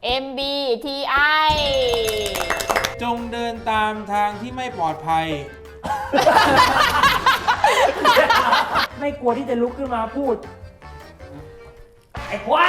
MBTI จงเดินตามทางที่ไม่ปลอดภัยไม่กลัวที่จะลุกขึ้นมาพูด ไอ้ควาย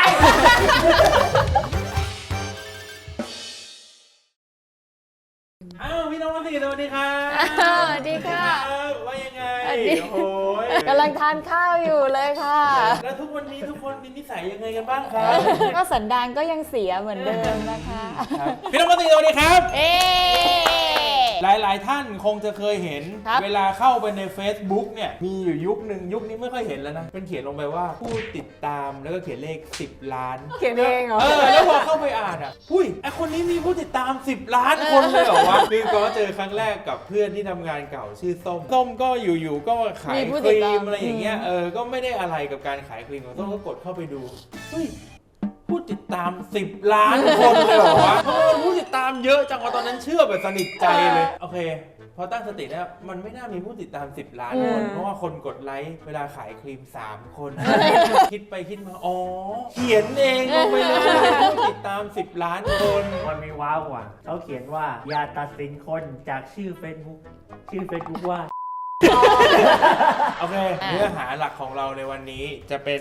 อ้าวพี่น้องมาสิสวัสดีครับสวัสดีค่ะว่ายังไงสวัสดีโอ้ยกำลังทานข้าวอยู่เลยค่ะแล้วทุกวันนี้ทุกคนมีนิสัยยังไงกันบ้างครับก็สันดานก็ยังเสียเหมือนเดิมนะคะพี่น้องมาสิสวัสดีครับเอ๊หลายๆท่านคงจะเคยเห็นครับเวลาเข้าไปใน Facebook เนี่ยมีอยู่ยุคหนึ่งยุคนี้ไม่ค่อยเห็นแล้วนะเป็นเขียนลงไปว่าผู้ติดตามแล้วก็เขียนเลข10 ล้านเขียนเองเหรอแล้วพอเข้าไปอ่านอ่ะอุ้ยไอคนนี้มีผู้ติดตาม10 ล้านคนเลยเหรอวะคือก็เจอครั้งแรกกับเพื่อนที่ทำงานเก่าชื่อส้มก็อยู่ๆก็ขายมีผู้คติดรีตามมอะไรอย่างเงี้ยก็ไม่ได้อะไรกับการขายครีมของส้มก็กดเข้าไปดูเฮ้ยผู้ติดตาม10 ล้านคนเลยเหรอวะผู้ติดตามเยอะจังวะตอนนั้นเชื่อแบบสนิทใจเลยโอเคพอตั้งสติแล้วมันไม่น่ามีผู้ติดตาม10 ล้านคนเพราะว่าคนกดไลค์เวลาขายครีม3 คนคิดไปคิดมาอ๋อเขียนเองลงไปเลยผู้ติดตาม10 ล้านคนมันมีว้าวกว่าเขาเขียนว่าอย่าตัดสินคนจากชื่อ Facebook ว่าโอเคเนื้อหาหลักของเราในวันนี้จะเป็น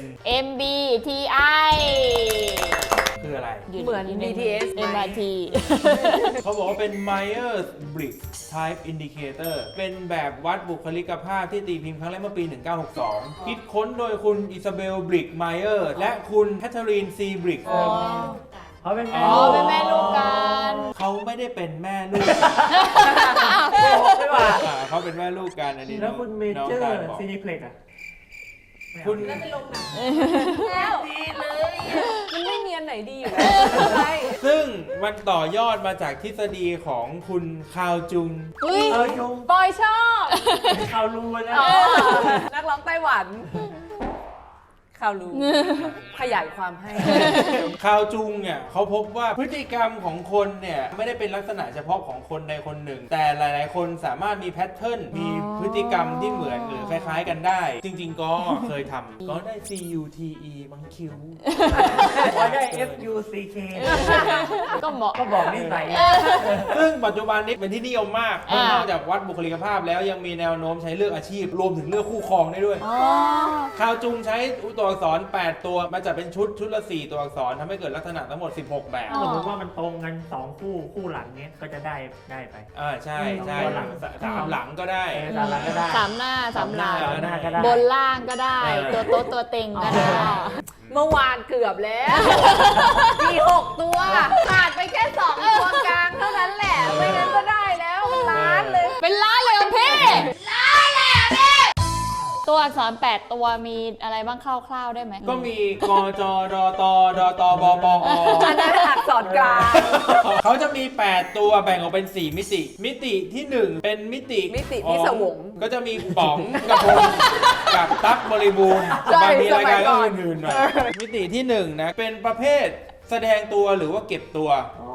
MBTI คืออะไรเหมือน BTS ไหม MRT เขาบอกว่าเป็น Myers-Briggs Type Indicator เป็นแบบวัดบุคลิกภาพที่ตีพิมพ์ครั้งแรกเมื่อปี 1962 คิดค้นโดยคุณอิซาเบล บริกไมเออร์และคุณแคทเธอรีน ซี บริกเขาเป็นอ๋อเป็นแม่ลูกกันเขาไม่ได้เป็นแม่ลูกไม่ว่าเขาเป็นแม่ลูกกันอันนี้แล้วคุณเมน้องเจอตาลร์บอกซีนิเพล็กอะคุณแล้วดีเลย มันไม่เนียนไหนดีอยู่แล้วใช่ซึ่งมันต่อยอดมาจากทฤษฎีของคุณคาวจุงอุ้ยจุงปอยชอบข่าวรู้นะนักร้องไต้หวันข่าวรู้ ขยายความให้คาวจุงเนี่ยเขาพบว่าพฤติกรรมของคนเนี่ยไม่ได้เป็นลักษณะเฉพาะของคนใดคนหนึ่ง แต่หลายๆ คนสามารถมีแพทเทิร์นมีพฤติกรรมที่เหมือนหรือคล้ายๆกันได้ จริงๆก็เคยทำก็ได้ CUTE บางคิวก็ได้ FUCK ก็เหมาะก็บอกนิสัยซึ่งปัจจุบันนี้เป็นที่นิยมมากเพราะนอกจากวัดบุคลิกภาพแล้วยังมีแนวโน้มใช้เลือกอาชีพ รวมถึงเลือกคู่ครองได้ด้วยอ๋อคาวจุงใช้ตัวอักษร 8 ตัวมาจัดเป็นชุดละ 4 ตัวอักษรทำให้เกิดลักษณะทั้งหมด 16 แบบถ้าสมมติว่ามันตรงกัน2 คู่หลังเนี้ยก็จะได้ไปใช่ใช่ตัวหลังสามหลังก็ได้ตามหลังก็ได้สามหน้าสามหลังสามหน้าก็ได้บนล่างก็ได้ ตัวโต๊ะตัวเต็งก็ได้เมื่อวานเกือบแล้วมี6 ตัวขาดไปแค่2 ตัวกลางเท่านั้นแหละ ไม่งั้นก็ได้แล้วเป็นล้านเลยเป็นล้านเลยเหรอพี่ล้านเลยเหรอพี่ตัวอักษร8 ตัวมีอะไรบ้างคร่าวๆได้ไหมก็มีกจดตดตบปออันนั้นอักษรกลางเขาจะมี 8 ตัวแบ่งออกเป็น 4 มิติ มิติที่ 1 เป็นมิติมิติพิศวงก็จะมีป๋องกับพงกับตั๊กบริบูรณ์ใช่บางทีรายการสมัยก่ก็อนอื่นๆหน่อยมิติที่ 1 นะ เป็นประเภทแสดงตัวหรือว่าเก็บตัว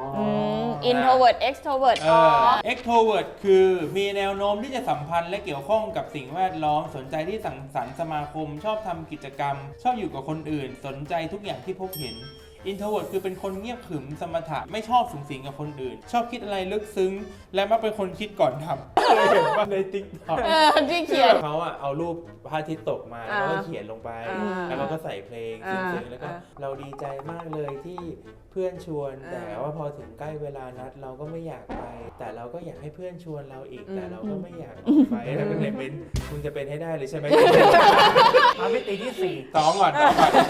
introvert extrovert extrovert คือมีแนวโน้มที่จะสัมพันธ์และเกี่ยวข้องกับสิ่งแวดล้อมสนใจที่สังสรรค์สมาคม ชอบทำกิจกรรม ชอบอยู่กับคนอื่น สนใจทุกอย่างที่พบเห็น introvert คือเป็นคนเงียบขรึมสมถะไม่ชอบสุงสิงกับคนอื่น ชอบคิดอะไรลึกซึ้ง และมักเป็นคนคิดก่อนทำเคยเห็นว่าใน TikTok ที่เขียนเขาอะเอารูปพระอาทิตย์ตกมาแล้วก็เขียนลงไป แล้วเขาก็ใส่เพลงเสียงๆแล้วก็เราดีใจมากเลยที่เพื่อนชวน แต่ว่าพอถึงใกล้เวลานัดเราก็ไม่อยากไป แต่เราก็อยากให้เพื่อนชวนเราอีก แต่เราก็ไม่อยากออกไปแล้วก็เลยเป็นคุณจะเป็นให้ได้เลยใช่ไหมมามิติที่สองก่อน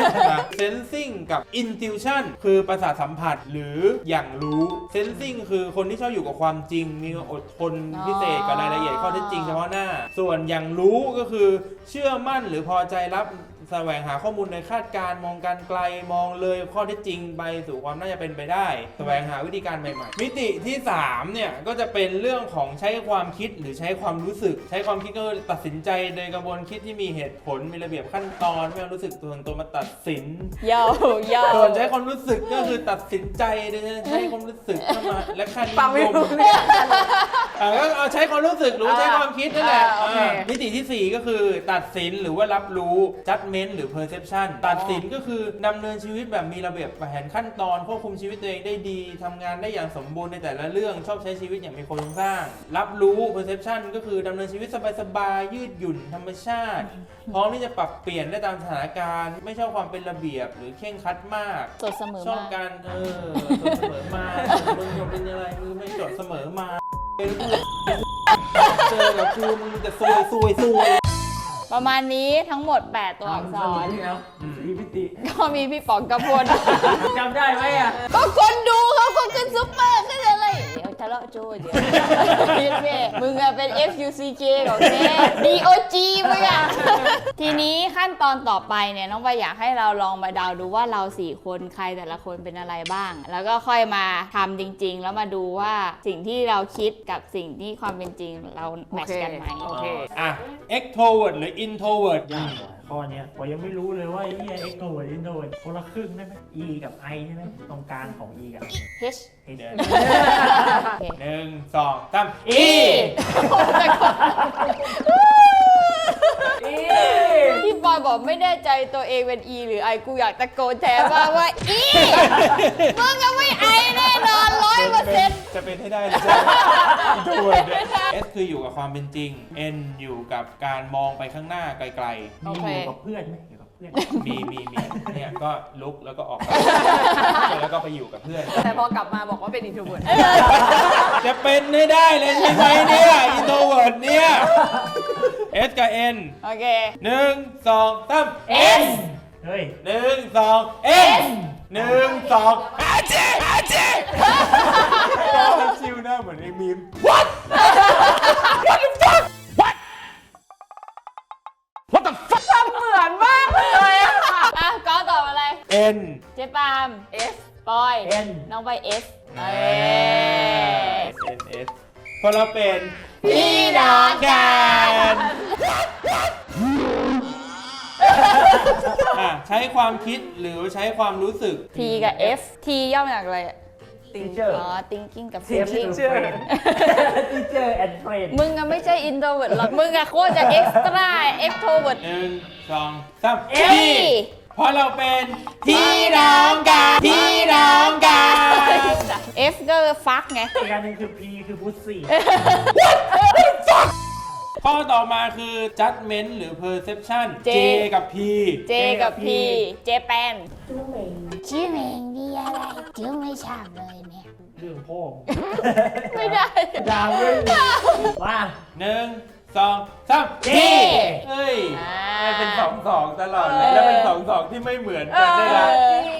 sensing กับ intuition คือประสาทสัมผัสหรืออย่างรู้ sensing คือคนที่ชอบอยู่กับความจริง มีอดทนพิเศษกับรายละเอียดข้อเท็จจริงเฉพาะหน้า ส่วนอย่างรู้ก็คือเชื่อมั่นหรือพอใจรับแสวงหาข้อมูลในคาดการณ์มองการไกลมองเลยข้อเท็จจริงไปสู่ความน่าจะเป็นไปได้แสวงหาวิธีการใหม่ๆมิติที่3เนี่ยก็จะเป็นเรื่องของใช้ความคิดหรือใช้ความรู้สึก ใช้ความคิดก็ตัดสินใจโดยกระบวนคิดที่มีเหตุผลมีระเบียบขั้นตอนไม่เอารู้สึกส่วนตัวมาตัดสินยาวยาวส่วนใช้ความรู้สึกก็คือตัดสินใจโดยใช้ความรู้สึกเข้ามาและค่านิฟังไม่ยมรู้เรื่องก็เอาใช้ความรู้สึกหรือว่าใช้ความคิดนั่นแหละโอเคมิติที่ 4 ก็คือตัดสินหรือว่ารับรู้ judgment judgment หรือ perception ตัดสินก็คือดำเนินชีวิตแบบมีระเบียบแผนขั้นตอนควบคุมชีวิตตัวเองได้ดีทำงานได้อย่างสมบูรณ์ในแต่ละเรื่องชอบใช้ชีวิตอย่างมีโครงสร้างรับรู้ perception ก็คือดำเนินชีวิตสบายๆยืดหยุ่นธรรมชาติพร้อมที่จะปรับเปลี่ยนได้ตามสถานการณ์ไม่ชอบความเป็นระเบียบหรือเคร่งครัดมากจดเสมอชอบมาการจดเสมอมามึงจะเป็นอะไรมึงไม่จดเสมอมาเจอกับกูมึงจะซวยประมาณนี้ทั้งหมด 8 ตัวอักษรนี่แล้วสีพิติก็มีพี่ป๋องกระพลจำได้ไหมอ่ะก็คนดูเขาคนขึ้นซุปเปอร์ขึ้นอะไร เดี๋ยวทะเลาะโจ้เดี๋ยวมึงอะเป็น FUCK ของแก DOG มึงอะทีนี้ขั้นตอนต่อไปเนี่ยน้องไปอยากให้เราลองมาเดาดูว่าเรา4คนใครแต่ละคนเป็นอะไรบ้าง แล้วก็ค่อยมาทำจริงๆ แล้วมาดูว่าสิ่งที่เราคิดกับสิ่งที่ความเป็นจริงเราแมทช์กันไหมโอเค extrovert หรือ introvert ยากกว่าข้อเนี้ยผมยังไม่รู้เลยว่าไอ้เนี่ย extrovert introvert คนละครึ่งได้ไหม E กับ I ใช่ไหมตรงกลางของ E กับ H เดี๋ยวโอเค 1 2 3 E พี่บอยบอกไม่แน่ใจตัวเองเป็น E หรือ I กูอยากตะโกนแทนว่า E มึงก็ไม่ I แน่นอน 100% จะเป็นให้ได้เลยใช่ไหม introvert S คืออยู่กับความเป็นจริง N อยู่กับการมองไปข้างหน้าไกลโอมีเคอยู่กับเพื่อนไหมอยู่กับเพื่อนๆ มีเนี่ยก็ลุกแล้วก็ออกไปแล้วก็ไปอยู่กับเพื่อนแต่พอกลับมาบอกว่าเป็น introvert จะเป็นให้ได้เลยใช่ไหมเนี่ย introvert เนี่ย S กับ N โอเค 1 2 3 S เฮ้ย 1 2 S 1 2อาเจชิวหน้าเหมือนไอ้มีม What What the fuck What the fuck เหมือนมากเลยอะอ่ะก็ตอบอะไร N เจ๊ปาล์ม S ปอย N น้องไป S เอ้ N S เพราะเราเป็นพี่น้องกันใช้ความคิดหรือใช้ความรู้สึก T กับ F T ย่อมาจากอะไรอะ teacher อ๋อ thinking กับ F feeling to friend teacher and friend มึงอะไม่ใช่ introvert หรอก มึงอะโคตรจะ extra extrovert 1 2 3 F เพราะเราเป็นพี่น้องกัน F ก็ฟักไงอีกอันหนึงคือ P คือ pussy ข้อต่อมาคือ judgment หรือ perception J J กับ P J กับ P เจแปนชื่อเพลงดีอะไรจื้อไม่ชอบเลยเนี่ยเรื่องพ่อไม่ได้ดาวเรื่องมา 1 2 3 J เฮ้ยอ่ามันเป็น2 ตลอดเลย แล้วเป็น2 ที่ไม่เหมือนกันด้วยนะ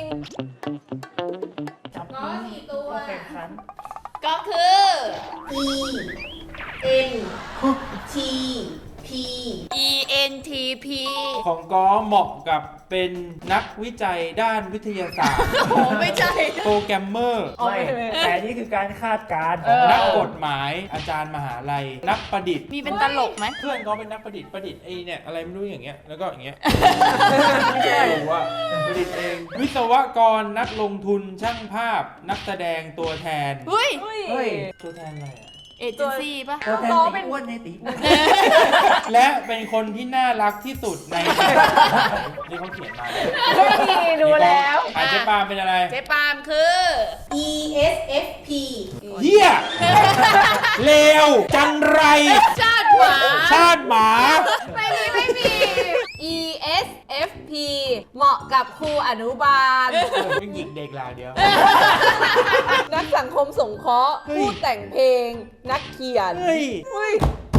จับมือตัวแข่งขันก็คือ E N T P ENTP ของก้อเหมาะกับเป็นนักวิจัยด้านวิทยาศาสตร์โอ้ไม่ใช่โปรแกรมเมอร์ไม่แต่นี่คือการคาดการณ์นักกฎหมายอาจารย์มหาลัย นักประดิษฐ์มีเป็นตลกไหมเพื่อนเขาเป็นนักประดิษฐ์ไอ้เนี่ยอะไรไม่รู้อย่างเงี้ยแล้วก็อย่างเงี้ยไม่รู้ว่าประดิษฐ์เอง วิศวกรนักลงทุนช่างภาพ นักแสดงตัวแทนเฮ้ยเฮ้ยตัวแทนอะไรอะเอเจนซี่ป่ะตัวแทนตีอ้วนในตีอ้วนและเป็นคนที่น่ารักที่สุดใน นี่เขาเขียนมาเลยนี่ดูแล้วอาเจ๊ปาล์มเป็นอะไรเจ๊ปาล์มคือ E S F P เฮียเลวจังไรชาติหมาชาติหมาไม่มี ESFP เหมาะกับครูอนุบาลไม่หยิกเด็กลาวเดียวนักสังคมสงเคราะห์เฮ้ยผู้แต่งเพลง นักเขียนเฮ้ยเฮ้ย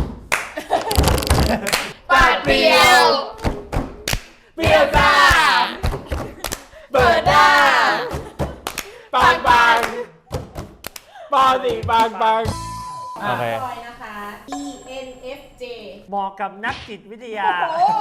ปาดเปรียวเปรี้ยวจ้าเปิดหน้าปังปังปอสิปังปังโอเคปอยนะคะ E N F J เหมาะกับนักจิตวิทยา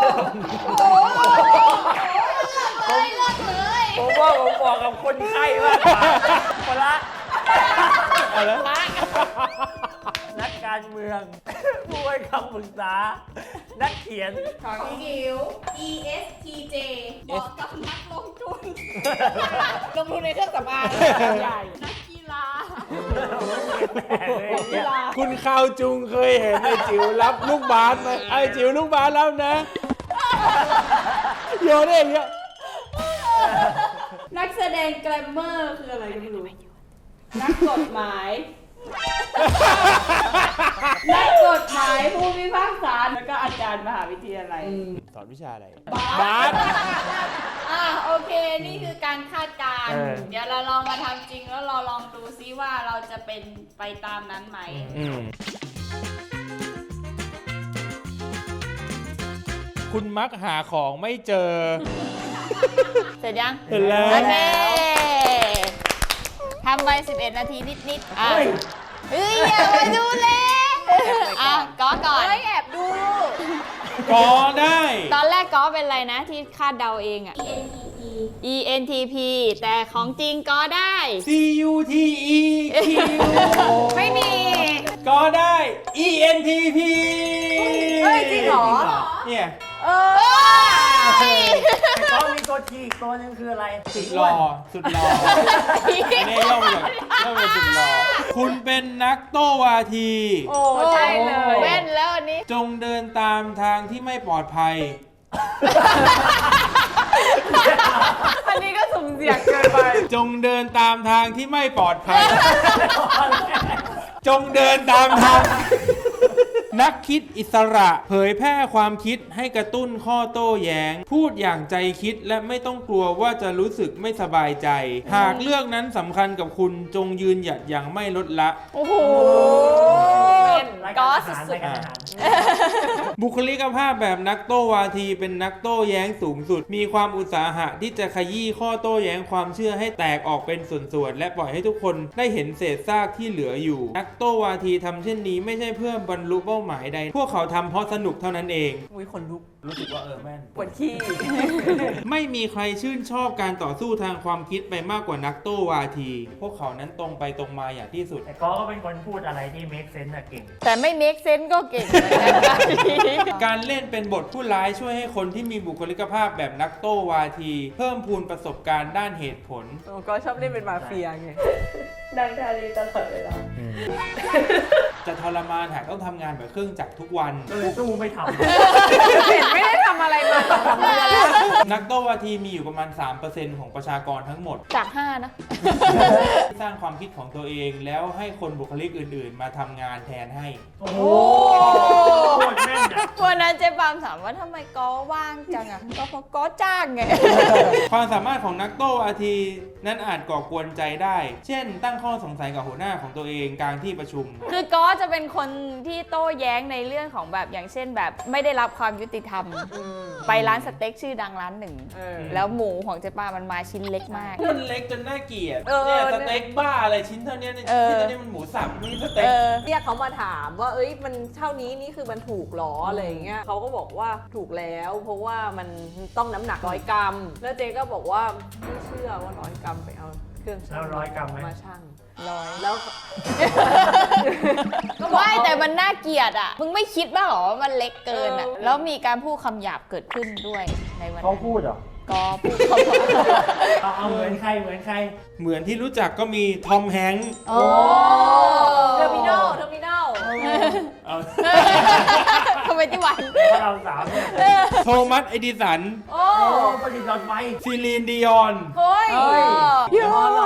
ผมว่าผมเหมาะกับคนไข้มากกว่าคนละอะไรนักการเมือง ผู้ให้คำปรึกษา นักเขียนของจิ๋ว E S T J เหมาะกับนักลงทุนลงทุนในเครื่องสำอางใหญ่นักกีฬาคุณข้าวจุงเคยเห็นไอ้จิ๋วรับลูกบาสไหมไอ้จิ๋วลูกบาสรับนะโยนได้อย่างเงี้ยนักแสดงแกรมเมอร์คืออะไรก็ไม่รู้ นักกฎหมาย นักกฎหมายผู้พิพากษาแล้วก็อาจารย์มหาวิทยาลัยสอนวิชาอะไรบาสโอเค นี่คือการคาดการณ์ เดี๋ยวเราลองมาทำจริงแล้วเราลองดูซิว่าเราจะเป็นไปตามนั้นไหมคุณมักหาของไม่เจอเสร็จยังเสร็จแล้วโอเคทำไป11 นาทีนิดๆเฮ้ยอย่ามาดูเลยก็ก่อนเฮ้ยแอบดูก็ได้ตอนแรกก็เป็นอะไรนะที่คาดเดาเองอะ ENTP แต่ของจริงก็ได้ CUTE Q ไม่มีก็ได้ ENTP เฮ้ยจริงเหรอเนี่ยแต่ก็มีตัวทีอีกตัวหนึงคืออะไรสุดหล่อสุดหล่ออันนี้ย่อมาจากสุดหล่อคุณเป็นนักโต้วาทีโอ้ใช่เลยแว่นแล้วอันนี้จงเดินตามทางที่ไม่ปลอดภัยอันนี้ก็สุ่มเสี่ยงเกินไปจงเดินตามทางที่ไม่ปลอดภัย จงเดินตามทาง นักคิดอิสระเผยแพร่ความคิดให้กระตุ้นข้อโต้แย้ง พูดอย่างใจคิดและไม่ต้องกลัวว่าจะรู้สึกไม่สบายใจ หากเรื่องนั้นสำคัญกับคุณจงยืนหยัดอย่างไม่ลดละโอ้โหรายก็การอาสุหารดรายการอาหารบุคลิกภาพแบบนักโต้วาทีเป็นนักโต้แย้งสูงสุด มีความอุตสาหะที่จะขยี้ข้อโต้แย้งความเชื่อให้แตกออกเป็นส่วนๆและปล่อยให้ทุกคนได้เห็นเศษซากที่เหลืออยู่ นักโต้วาทีทำเช่นนี้ไม่ใช่เพื่อบรรลุเป้าหมายใด พวกเขาทำเพราะสนุกเท่านั้นเองอุ้ยขนลุกรู้สึกว่าแม่นปวดขี้ไม่มีใครชื่นชอบการต่อสู้ทางความคิดไปมากกว่านักโต้วาที พวกเขานั้นตรงไปตรงมาอย่างที่สุดแต่ก็เป็นคนพูดอะไรที่ make sense อะเก่งแต่ไม่ make sense ก็เก่งเหมือนกันครับการเล่นเป็นบทผู้ร้ายช่วยให้คนที่มีบุคลิกภาพแบบนักโต้วาที เพิ่มพูนประสบการณ์ด้านเหตุผลก็ชอบเล่นเป็นมาเฟียไงดังทารีตลอดเวลาจะทรมานหากต้องทำงานแบบเครื่องจักรทุกวันก็เลยสู้ไม่ทำเห็นไม่ได้ทำอะไรมาทำอะไรนักโต้วาทีมีอยู่ประมาณ 3% ของประชากรทั้งหมดจาก 5 นะสร้างความคิดของตัวเองแล้วให้คนบุคลิกอื่นๆ มาทำงานแทนให้โอ้โหโคตรแม่นอะวันนั้นเจ๊ปามถามว่าทำไมก็ว่างจังอ่ะก็เพราะก็จ้างไงความสามารถของนักโต้วาทีนั้นอาจก่อกวนใจได้ เช่น ตั้งข้อสงสัยกับหัวหน้าของตัวเองกลางที่ประชุมคือก็จะเป็นคนที่โต้แย้งในเรื่องของแบบอย่างเช่นแบบไม่ได้รับความยุติธรรม ไปร้านสเต็กชื่อดังร้านหนึ่ง แล้วหมูของเจ๊ปามันมาชิ้นเล็กมากมันเล็กจนน่าเกลียดเออเนี่ยสเต็กบ้าอะไรชิ้นเท่านี้เนี่ยเออชิ้นเท่านี้มันหมูสับไม่ใช่สเต็กเรียกเขามาถามว่า เอ้ย มันเท่านี้นี่คือมันถูกหรออะไรอย่างเงี้ยเขาก็บอกว่าถูกแล้ว เพราะว่ามันต้องน้ำหนัก100 กรัม แล้วเจ๊ก็บอกว่าไม่เชื่อว่า100 กรัมไปเอาเครื่องชั่งแล้ว100 กรัมไหมมาชั่งร้อยแล้วไม่แต่มันน่าเกลียดอ่ะ มึงไม่คิดบ้างเหรอว่ามันเล็กเกินอ่ะ แล้วมีการพูดคำหยาบเกิดขึ้นด้วยในวันเขานั้นพูดเหรอก็พูดคำหยาบเอาเหมือนใครเหมือนใครเหมือนที่รู้จักก็มีทอมแฮงค์โอ้เทอร์มินอลเอาทำไมที่วันเพราะเราสามเนี่ยโทมัสเอดิสันโอ้โอ้ประดิษฐ์หลอดไฟซีลีนดิออนเฮ้ยยู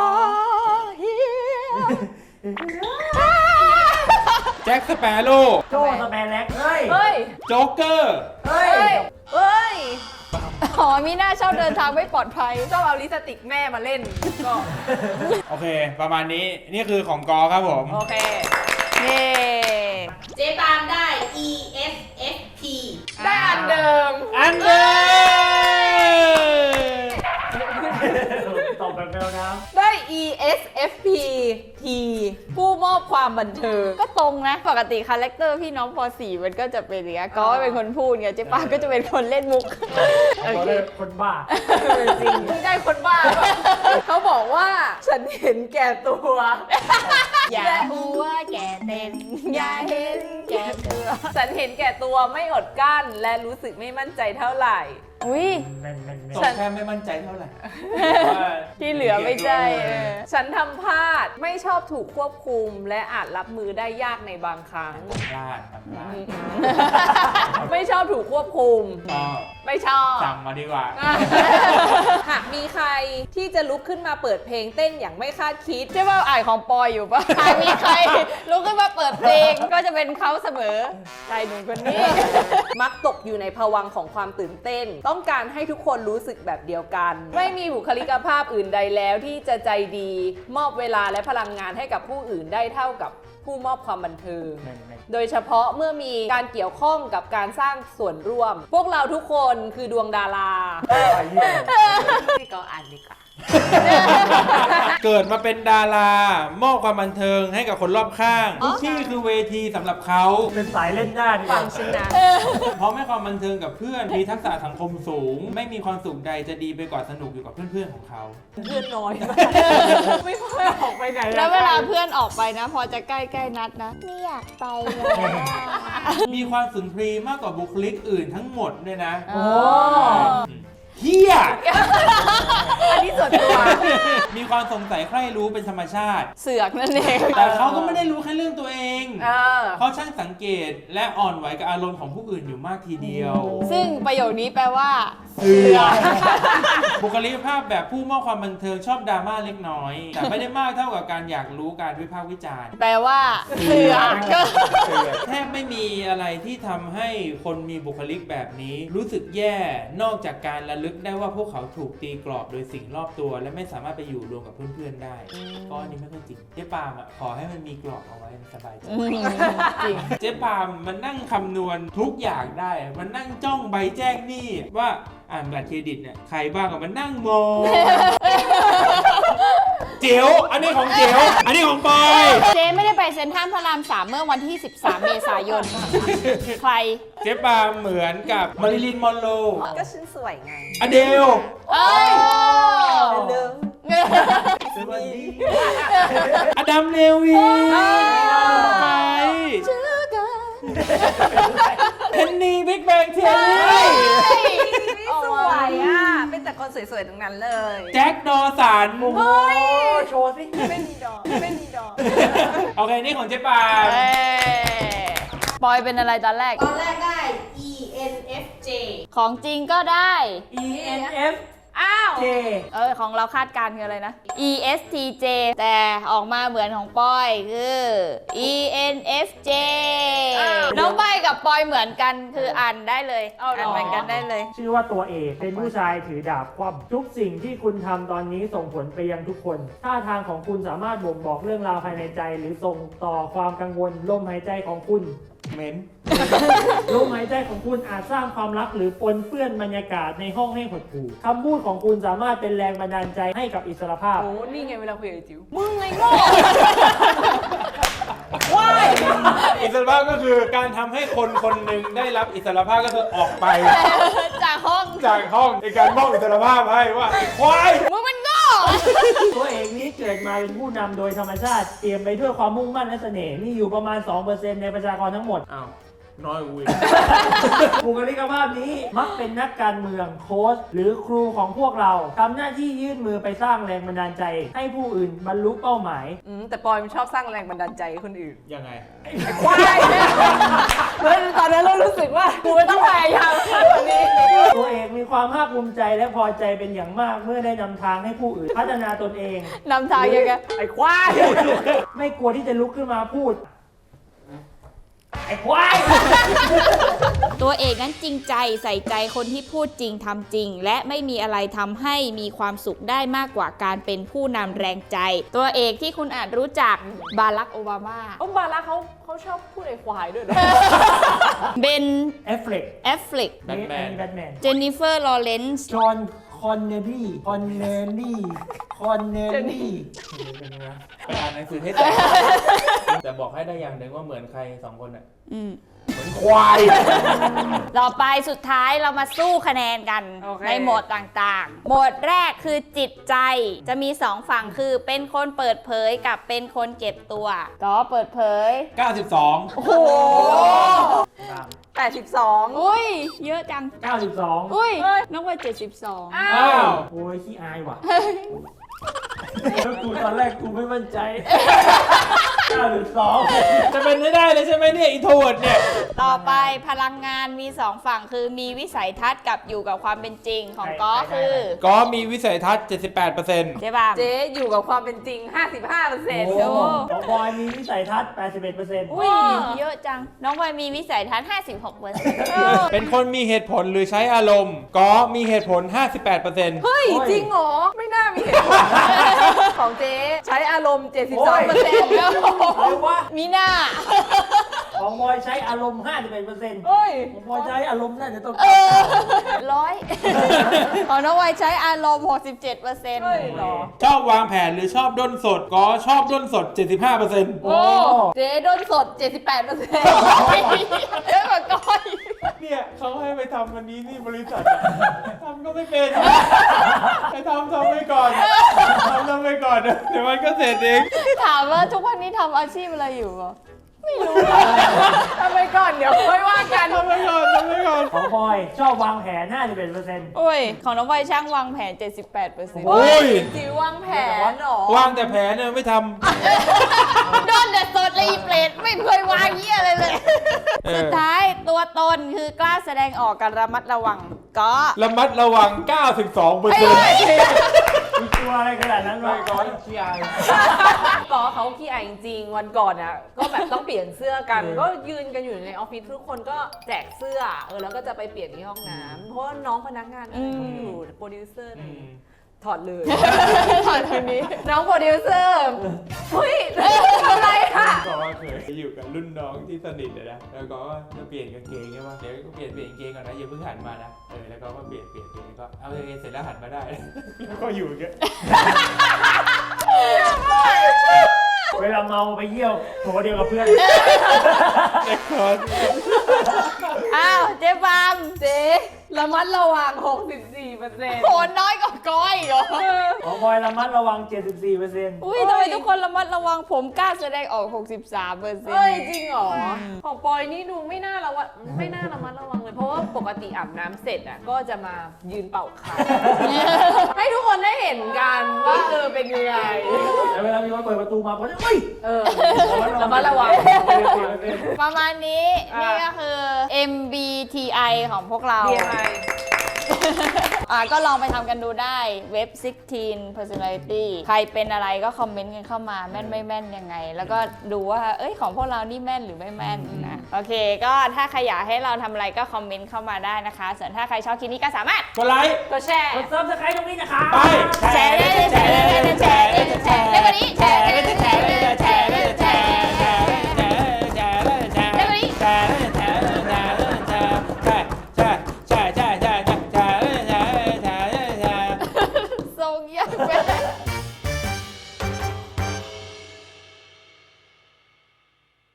แจ็คสเปโร่โจ้สแปนแล็กเฮ้ยเฮ้ยโจ๊กเกอร์เฮ้ยเฮ้ยอ๋อมีหน้าชอบเดินทางไม่ปลอดภัยชอบเอาลิปสติกแม่มาเล่น ก็โอเค ประมาณนี้ นี่คือของกอครับผมโอเคเย้เจ๊ปามได้ ESFP ได้อันเดิมอันเดอร์ตอบแบบแมวน้ได้ ESFP T ผู้มอบความบันเทิงก็ตรงนะ ปกติคาแรคเตอร์พี่น้องป .4 มันก็จะเป็นอย่างเงี้ยก็เป็นคนพูดไงเจ๊ปาก็จะเป็นคนเล่นมุกำเขาได้คนบ้าจริงไม่ได้คนบ้าหรอกเขาบอกว่าฉันเห็นแก่ตัวอย่าหัวแก่เต็นอย่าเห็นแก่ตัวฉันเห็นแก่ตัวไม่อดกั้นและรู้สึกไม่มั่นใจเท่าไหร่อุ้ยแม่นแม่นตกแม่นแค่ไม่มั่นใจเท่าไหร่ที่เหลือไม่ใช่เออฉันทำพลาดไม่ชอบถูกควบคุม และอาจรับมือได้ยากในบางครั้งพลาดครับพลาดไม่ชอบถูกควบคุมก็ไม่ชอบสั่งมาดีกว่าหากมีใครที่จะลุกขึ้นมาเปิดเพลงเต้นอย่างไม่คาดคิดใช่ป่ะอ่านของปอยอยู่ป่ะหากมีใครลุกขึ้นมาเปิดเพลงก็จะเป็นเขาเสมอชายหนุ่มคนนี้มักตกอยู่ในภวังค์ของความตื่นเต้น ต้องการให้ทุกคนรู้สึกแบบเดียวกัน ไม่มีบุคลิกภาพอื่นใดแล้วที่จะใจดี มอบเวลาและพลังงานให้กับผู้อื่นได้เท่ากับผู้มอบความบันเทิง โดยเฉพาะเมื่อมีการเกี่ยวข้องกับการสร้างส่วนร่วม พวกเราทุกคนคือดวงดาราพี่ก็อ่านดีกว่าเกิดมาเป็นดารามอบความบันเทิงให้กับคนรอบข้างทุกที่คือเวทีสำหรับเขาเป็นสายเล่นหน้าดีกฟัว่างฉันนะพร้อมให้ความบันเทิงกับเพื่อนมีทักษะสังคมสูง ไม่มีความสุขใดจะดีไปกว่าสนุกอยู่กับเพื่อนๆของเขาเพื่อนน้อยมากไม่ค่อยออกไปไหนแล้วเวลาเพื่อนออกไปนะ พอจะใกล้ๆนัดนะไม่อยากไปเลยมีความสุนทรีย์มากกว่าบุคลิกอื่นทั้งหมดด้วยนะโอ้เฮียอันนี้ส่วนตัวมีความสงสัยใคร่รู้เป็นธรรมชาติเสือกนั่นเองแต่เขาก็ไม่ได้รู้แค่เรื่องตัวเองเออเขาช่างสังเกตและอ่อนไหวกับอารมณ์ของผู้อื่นอยู่มากทีเดียวซึ่งประโยคนี้แปลว่าเสือบุคลิกภาพแบบผู้มอบความบันเทิงชอบดราม่าเล็กน้อย แต่ไม่ได้มากเท่ากับการอยากรู้การวิพากษ์วิจารณ์แปลว่าเสือกก็แทบไม่มีอะไรที่ทำให้คนมีบุคลิกแบบนี้ รู้สึกแย่นอกจากการระลึกได้ว่าพวกเขาถูกตีกรอบโดยสิ่งรอบตัว และไม่สามารถไปอยู่รวมกับเพื่อนๆได้ก็อันนี้ไม่ค่อยจริงเจ๊ปามอ่ะขอให้มันมีกรอบเอาไว้มันสบายใจจริงเจ๊ปามมันนั่งคำนวณทุกอย่างได้ มันนั่งจ้องใบแจ้งหนี้ว่าอ่านบัตรเครดิตเนี่ยใครบ้างอะมันนั่งมอง เจ๋วอันนี้ของเจ๋วอันนี้ของปอยเจ๊ไม่ได้ไปเซ็นทรัลพระราม 3 เมื่อวันที่ 13 เมษายน ใครเจ๊ปามเหมือนกับมาริลีนมอนโรก็ฉันสวยไงอเดลเอ้ยเดิมสวัสดีอดัมเลวีไปเพนนีบิ๊กแบงเทียรี่สวยอ่ะ เป็นแต่คนสวยๆตรงนั้นเลยแจ็คดอสันโอ้โหโชว์สิไม่มีดอกไม่มีดอกโอเค นี่ของเจ๊ปามเอ้ยปอยเป็นอะไรตอนแรกตอนแรกได้ ENFJ ของจริงก็ได้ ENF อ้าว J ของเราคาดการณ์คืออะไรนะ ESTJ แต่ออกมาเหมือนของปอยคือ ENFJ น้องใบกับปอยเหมือนกันคืออ่านได้เลยเอาเหรออ่านเหมือนกันได้เลยชื่อว่าตัวเอกเป็นผู้ชายถือดาบคว่ำทุกสิ่งที่คุณทำตอนนี้ส่งผลไปยังทุกคนท่าทางของคุณสามารถบ่งบอกเรื่องราวภายในใจ หรือส่งต่อความกังวลลมหายใจของคุณเม้นลมหายใจของคุณอาจสร้างความรักหรือปนเปื้อนบรรยากาศในห้องให้หดหู่คำพูดของคุณสามารถเป็นแรงบันดาลใจให้กับอิสรภาพโอ้นี่ไงเวลาคุยกับไอ้จิ๋วมึงไงโง่ ว้ายอิสรภาพก็คือการทำให้คนคนหนึ่งได้รับอิสรภาพก็คือออกไปจากห้องจากห้องในการมอบอิสรภาพให้ว่าไอ้ควายมึงมันโง่ตัวเอกนี้เกิดมาเป็นผู้นำโดยธรรมชาติเตรียมไปด้วยความมุ่งมั่นและเสน่ห์มีอยู่ประมาณ 2% ในประชากรทั้งหมดอ้าว น้อยกว่ากูอีกบุคลิกภาพนี้มักเป็นนักการเมืองโค้ชหรือครูของพวกเราทำหน้าที่ยื่นมือไปสร้างแรงบันดาลใจ ให้ผู้อื่นบรรลุเป้าหมายแต่ปอยมันชอบสร้างแรงบันดาลใจให้คนอื่นยังไงว้ายแล้วตอนนั้นเรารู้สึกว่ากูไม่ต้องพยายามมากกว่านี้ตัวเอกมีความภาคภูมิใจและพอใจเป็นอย่างมากเมื่อได้นำทางให้ผู้อื่น พัฒนาตนเองนำทางยังไงไอ้ควายไม่กลัวที่จะลุกขึ้นมาพูด ไอ้ควายตัวเอกนั้นจริงใจใส่ใจคนที่พูดจริงทำจริง และไม่มีอะไรทำให้มีความสุขได้มากกว่าการเป็นผู้นำแรงใจ ตัวเอกที่คุณอาจรู้จักบารักโอบามาบาร่าเขาชอบพูดไอ้ควายด้วยนะเบนเอฟเฟลกแอฟฟลิกแบทแมนแบทแมนเจนนิเฟอร์ลอเรนซ์จอห์นคอนเนลลี่คอนเนลลี่คอนเนลลี่อ่านหนังสือให้แตกแต่บอกให้ได้อย่างหนึ่งว่าเหมือนใครสองคนอ่ะ เหมือนควายต่อไปสุดท้ายเรามาสู้คะแนนกันโอเคในโหมดต่างๆ โหมดแรกคือจิตใจจะมี2ฝั่งคือเป็นคนเปิดเผยกับเป็นคนเก็บตัวก็เปิดเผย 92 โอ้โห 82 อุ้ยเยอะจัง 92 อุ้ยน้องว่า72 อ้าวโอ้ยขี้อายว่ะแล้วกูตอนแรกกูไม่มั่นใจ 9.2 จะเป็นไม่ได้เลยใช่ไหมเนี่ยอินโทรเวิร์ดเนี่ยต่อไปพลังงานมี 2 ฝั่งคือมีวิสัยทัศน์กับอยู่กับความเป็นจริงของก็คือก็มีวิสัยทัศน์ 78% ใช่ป่ะเจ๊อยู่กับความเป็นจริง 55% โอ้ของบอยมีวิสัยทัศน์ 81% อุ้ยเยอะจัง น้องบอยมีวิสัยทัศน์เป็นคนมีเหตุผลหรือใช้อารมณ์ก็มีเหตุผล 58% เฮ้ย จริงเหรอ ไม่น่ามีเหตุผล ของเจ๊ใช้อารมณ์ 72% อะไรวะมีหน้าของบอยใช้อารมณ์ 51% เฮ้ยของบอยใช้อารมณ์น่าจะต้องร้อย ของน้องบอยใช้อารมณ์ 67% เฮ้ยเหรอชอบวางแผนหรือชอบด้นสดก็ชอบด้นสด 75% โอ้เจ๊ด้นสด 78% เยอะกว่าก้อยเนี่ยเขาให้ไปทำวันนี้ที่บริษัทอะทำก็ไม่เป็นไปทำไปก่อนทำไปก่อนเดี๋ยวมันก็เสร็จเองถามว่าทุกวันนี้ทำอาชีพอะไรอยู่เหรอ ไม่รู้ทำไปก่อนเดี๋ยวค่อยว่ากันทำไปก่อนของบอยชอบวางแผน 51% โอ้ย ของน้องบอยช่างวางแผน 78% โอ้ยจิ๋ววางแผนเหรอวางแต่แผนเนี่ยไม่ทโดนแต่สดเลยอีเปรตไม่เคยวางเยี่ยอะไรเลยเออสุดท้ายตัวตนคือกล้าแสดงออกการระมัดระวังก็ำระมัดระวัง 92% มีตัวอะไรขนาดนั้นวะก้อนขี้อายก็เขาขี้อายจริงๆวันก่อนอ่ะ ก็แบบต้องเปลี่ยนเสื้อกัน ก็ยืนกันอยู่ในออฟฟิศทุกคนก็แจกเสื้อ แล้วก็จะไปเปลี่ยนที่ห้องน้ำเพราะว่าน้องพนักงานอะไรเขาอยู่โปรดิวเซอร์อะไรอย่างเงี้ยถอดเลยถอดทางนี้น้องโปรดิวเซอร์เฮ้ยทำอะไรค่ะก็เคยอยู่กับรุ่นน้องที่สนิทเลยนะ แล้วก็จะเปลี่ยนกางเกงใช่ปะเดี๋ยวก็เปลี่ยนกางเกงก่อนนะอย่าเพิ่งหันมานะ แล้วก็มาเปลี่ยนก็เอากางเกงเสร็จแล้วหันมาได้ แล้วก็อยู่อย่างเงี้ยเวลาเมาไปเยี่ยวโถเดียวกับเพื่อนเด็กคอนอ้าวเจ๊ฟาร์มเจ๊ระมัดระวัง 64% โหน้อยกว่าก้อยเหรอของบอยระมัดระวัง 74% อุ้ยทำไมทุกคนระมัดระวังผมกล้าแสดงออก 63% เฮ้ย จริงเหรอ ของปอยนี่ดูไม่น่าระวังไม่น่าระมัดระวังเลย เพราะว่าปกติอาบน้ำเสร็จอ่ะก็จะมายืนเป่าคางให้ทุกคนได้เห็นกันว่าเป็นยังไงแล้วเวลามีคนเปิดประตูมาผมจะเฮ้ยระมัดระวังประมาณนี้อ่ะนี่ก็คือ MBTI ของพวกเรา BMI ก็ลองไปทำกันดูได้เว็บ 16 personality ใครเป็นอะไรก็คอมเมนต์กันเข้ามาแม่นไม่แม่นยังไง แล้วก็ดูว่าของพวกเรานี่แม่นหรือไม่แม่นนะโอเค ก็ถ้าใครอยากให้เราทำอะไรก็คอมเมนต์เข้ามาได้นะคะส่วนถ้าใครชอบคลิปนี้ก็สามารถกดไลค์ก็แชร์กดซับสไครต์ตรงนี้นะคะไปแชร์ได้เลยแชร์ได้เลยแชร์ได้เลยแชร์ได้เลยแชร์ได้วันนี้แชร์ได้เลยแชร์ได้